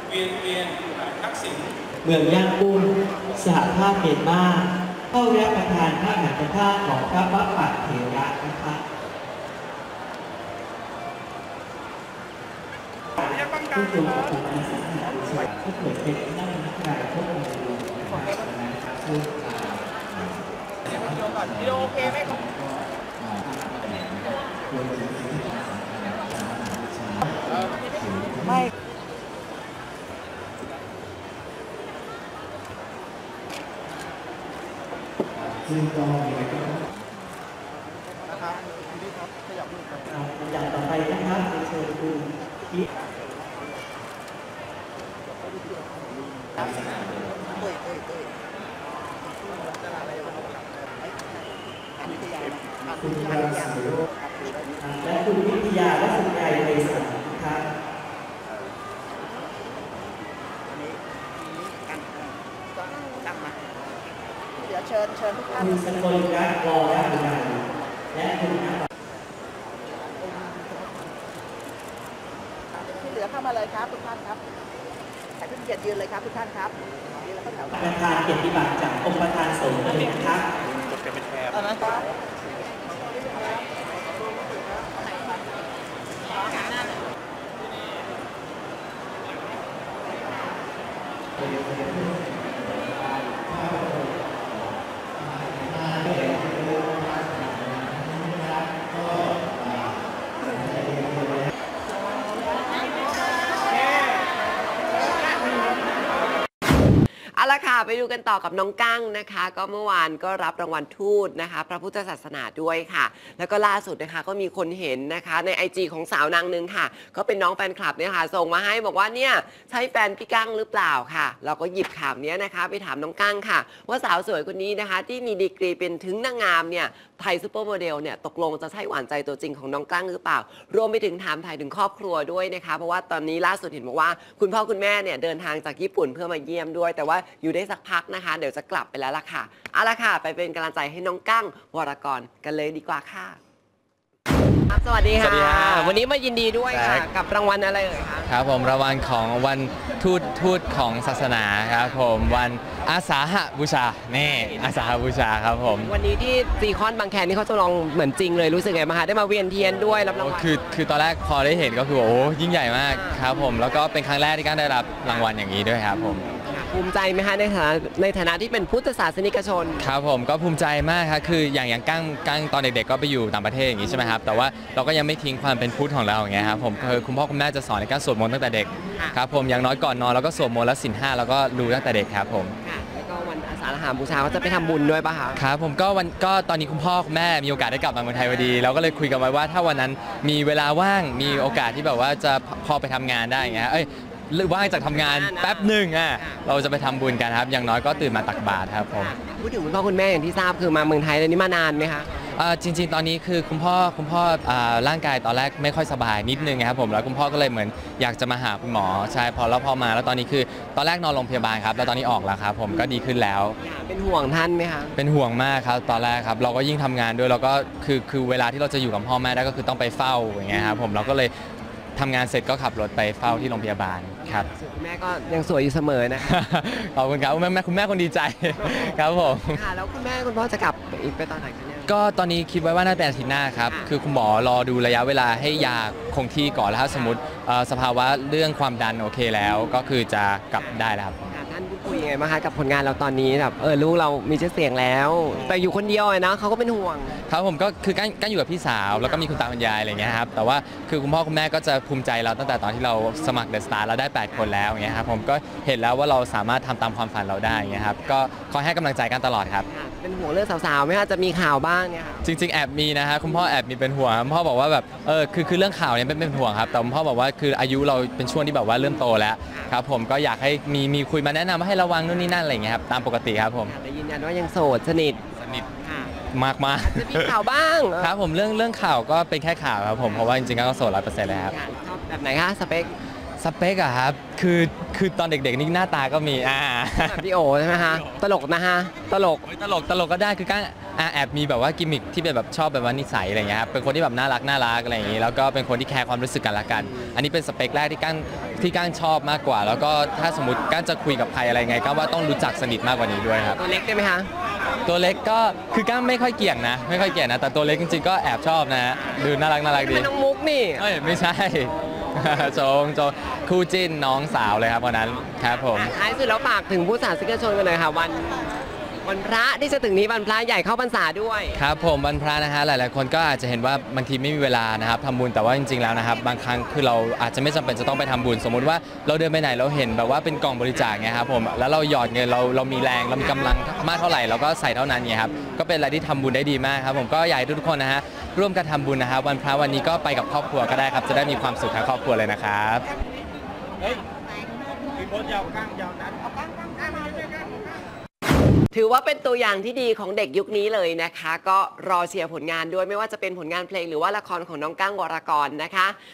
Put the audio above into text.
เวียนทักษิณเมืองย่างกุ้งสหภาพเมียนมาเข้ารับประทานพระมหากธาตุของพระวัปปะเถระนะคะผู้ทรงปฏิบัติศาสนาสวดก็เกิดเป็นนักนักการพวกองค์รวมนะครับซึ่งวิดีโอโอเคไหมครับไม่ซึ่งก็มีอะไรก็นะครับพี่ครับขยับมือครับอย่างต่อไปนะครับเชิญคุณที่คุณพาสโรและคุณวิทยาและสุไกรไปสันครับเดี๋ยวเชิญทุกท่านคุณสกลรัตน์วรบุญและคุณที่เหลือเข้ามาเลยครับทุกท่านครับให้เพื่อนเกียรติยืนเลยครับทุกท่านครับประธานเกียรติบัตรจากองค์ประธานสงฆ์เลยนะครับเอาละค่ะไปดูกันต่อกับน้องกั้งนะคะก็เมื่อวานก็รับรางวัลทูตนะคะพระพุทธศาสนาด้วยค่ะแล้วก็ล่าสุดนะคะก็มีคนเห็นนะคะใน IG ของสาวนางนึงค่ะก็เป็นน้องแฟนคลับเนี่ยค่ะส่งมาให้บอกว่าเนี่ยใช่แฟนพี่กั้งหรือเปล่าค่ะเราก็หยิบข่าวนี้นะคะไปถามน้องกั้งค่ะว่าสาวสวยคนนี้นะคะที่มีดีกรีเป็นถึงนางงามเนี่ยไทยซูเปอร์โมเดลเนี่ยตกลงจะใช่หวานใจตัวจริงของน้องกั้งหรือเปล่ารวมไปถึงถามถ่ายถึงครอบครัวด้วยนะคะเพราะว่าตอนนี้ล่าสุดเห็นบอกว่าคุณพ่อคุณแม่เนี่ยเดินทางจากญี่ปุ่นเพื่อมาเยี่ยมด้วยแต่ว่าอยู่ได้สักพักนะคะเดี๋ยวจะกลับไปแล้วล่ะค่ะเอาละค่ะไปเป็นกำลังใจให้น้องกั้งวรกรกันเลยดีกว่าค่ะสวัสดีค่ะวันนี้มายินดีด้วยค่ะกับรางวัลอะไรเอ่ยคะครับผมรางวัลของวันทูตของศาสนาครับผมวันอาสาหบูชานี่อาสาหบูชาครับผมวันนี้ที่ซีคอนบางแคนี่เขาจะลองเหมือนจริงเลยรู้สึกไงบ้างคะได้มาเวียนเทียนด้วยรับรางวัลคือตอนแรกพอได้เห็นก็คือโอ้ยิ่งใหญ่มากครับผมแล้วก็เป็นครั้งแรกที่กั้งได้รับรางวัลอย่างนี้ด้วยครับผมภูมิใจไหมคะในฐานะที่เป็นพุทธศาสนิกชนครับผมก็ภูมิใจมากครับคืออย่างกั้งตอนเด็กๆก็ไปอยู่ต่างประเทศอย่างนี้ใช่ไหมครับแต่ว่าเราก็ยังไม่ทิ้งความเป็นพุทธของเราอย่างเงี้ยครับผมคือคุณพ่อคุณแม่จะสอนในการสวดมนต์ตั้งแต่เด็กครับผมอย่างน้อยก่อนนอนเราก็สวดมนต์แล้วศีล 5แล้วก็รู้ตั้งแต่เด็กครับผมแล้วก็วันอาสาฬหบูชาก็จะไปทำบุญด้วยป่ะคะครับผมก็ตอนนี้คุณพ่อคุณแม่มีโอกาสได้กลับมาเมืองไทยพอดีเราก็เลยคุยกันไว้ว่าถ้าวันนั้นมีเวลาว่างมีโอกาสที่แบบว่าจะพอไปทำงานได้อย่างเงี้ยหรือว่างจากทำงานแป๊บหนึ่งเราจะไปทำบุญกันครับอย่างน้อยก็ตื่นมาตักบาตรครับผมพูดถึงคุณพ่อคุณแม่อย่างที่ทราบคือมาเมืองไทยเลยนี่มานานไหมคะจริงๆตอนนี้คือคุณพ่อร่างกายตอนแรกไม่ค่อยสบายนิดนึงครับผมแล้วคุณพ่อก็เลยเหมือนอยากจะมาหาคุณหมอใช่พอมาแล้วตอนนี้คือตอนแรกนอนโรงพยาบาลครับแล้วตอนนี้ออกแล้วครับผมก็ดีขึ้นแล้วเป็นห่วงท่านไหมคะเป็นห่วงมากครับตอนแรกครับเราก็ยิ่งทำงานด้วยเราก็คือเวลาที่เราจะอยู่กับพ่อแม่ได้ก็คือต้องไปเฝ้าอย่างเงี้ยครับผมเราก็เลยทำงานเสร็จก็ขับรถไปเฝ้าที่โรงพยาบาลครับคุณแม่ก็ยังสวยอยู่เสมอนะคะขอบคุณครับคุณแม่คนดีใจครับผมค่ะแล้วคุณแม่คุณพ่อจะกลับอีกไปตอนไหนกันเนี่ยก็ตอนนี้คิดไว้ว่าน่าจะเป็นอาทิตย์หน้าครับคือคุณหมอรอดูระยะเวลาให้ยาคงที่ก่อนแล้วถ้าสมมติสภาวะเรื่องความดันโอเคแล้วก็คือจะกลับได้แล้วครับท่านพูดคุยยังไงบ้างคะกับผลงานเราตอนนี้แบบลูกเรามีชื่อเสียงแล้วแต่อยู่คนเดียวนะเขาก็เป็นห่วงครับผมก็คือกั้งอยู่กับพี่สาวแล้วก็มีคุณตาคุณยายอะไรเงี้ยครับแต่ว่าคือคุณพ่อคุณแม่ก็จะภูมิใจเราตั้งแต่ตอนที่เราสมัครเดอะสตาร์เราได้8คนแล้วอย่างเงี้ยครับผมก็เห็นแล้วว่าเราสามารถทำตามความฝันเราได้อย่างเงี้ยครับก็คอยให้กำลังใจกันตลอดครับเป็นห่วงเรื่องสาวๆไหมคะจะมีข่าวบ้างเนี่ยจริงๆแอบมีนะฮะคุณพ่อแอบมีเป็นห่วงคุณพ่อบอกว่าแบบคือเรื่องข่าวเนี่ยเป็นห่วงครับแต่คุณพ่อบอกว่าคืออายุเราเป็นช่วงที่แบบว่าเริ่มโตแล้วครับผมก็อยากให้มีคุยมาแนะนำให้ระวังนู่นนี่นั่นอะไรอย่างเงี้ยครับตามปกติครับผมแต่ยืนยันว่ายังโสดสนิทมากจะมีข่าวบ้างครับผมเรื่องข่าวก็เป็นแค่ข่าวครับผมเพราะว่าจริงๆก็โสด100%เลยครับชอบแบบไหนคะสเปคอะครับคือตอนเด็กๆนี่หน้าตาก็มีแบบพี่โอใช่ไหมคะตลกนะฮะตลกก็ได้คือกั้งแอบมีแบบว่ากิมมิคที่เป็นแบบชอบแบบว่านิสัยอะไรเงี้ยครับเป็นคนที่แบบน่ารักอะไรอย่างงี้แล้วก็เป็นคนที่แคร์ความรู้สึกกันละกันอันนี้เป็นสเปคแรกที่ก้างชอบมากกว่าแล้วก็ถ้าสมมติก้างจะคุยกับใครอะไรไงก็ว่าต้องรู้จักสนิทมากกว่านี้ด้วยครับตัวเล็กได้ไหมคะตัวเล็กก็คือก้างไม่ค่อยเกี่ยงนะแต่ตัวเล็กจริงๆก็แอบชอบนะดูน่ารักดีเป็นน้องมุกนี่เอ้ยไม่ใช่ โจงคู่จิ้นน้องสาวเลยครับวันนั้นครับผมท้ายสุดแล้วฝากถึงผู้สาธารณชนกันหน่อยค่ะวันพระที่จะถึงนี้วันพระใหญ่เข้าพรรษาด้วยครับผมวันพระนะฮะหลายๆคนก็อาจจะเห็นว่าบางทีไม่มีเวลานะครับทำบุญแต่ว่าจริงๆแล้วนะครับบางครั้งคือเราอาจจะไม่จำเป็นจะต้องไปทำบุญสมมุติว่าเราเดินไปไหนเราเห็นแบบว่าเป็นกล่องบริจาคไงครับผมแล้วเราหยอดเงินเรามีแรงเรามีกำลังมากเท่าไหร่เราก็ใส่เท่านั้นไงครับก็เป็นอะไรที่ทำบุญได้ดีมากครับผมก็อยากให้ทุกคนนะฮะร่วมกันทำบุญนะครับวันพระวันนี้ก็ไปกับครอบครัวก็ได้ครับจะได้มีความสุขทั้งครอบครัวเลยนะครับเฮ้ยมีโพสต์ยาวก้างยาวนั้นถือว่าเป็นตัวอย่างที่ดีของเด็กยุคนี้เลยนะคะ ก็รอเชียร์ผลงานด้วยไม่ว่าจะเป็นผลงานเพลงหรือว่าละครของน้องก้างวรกรนะคะ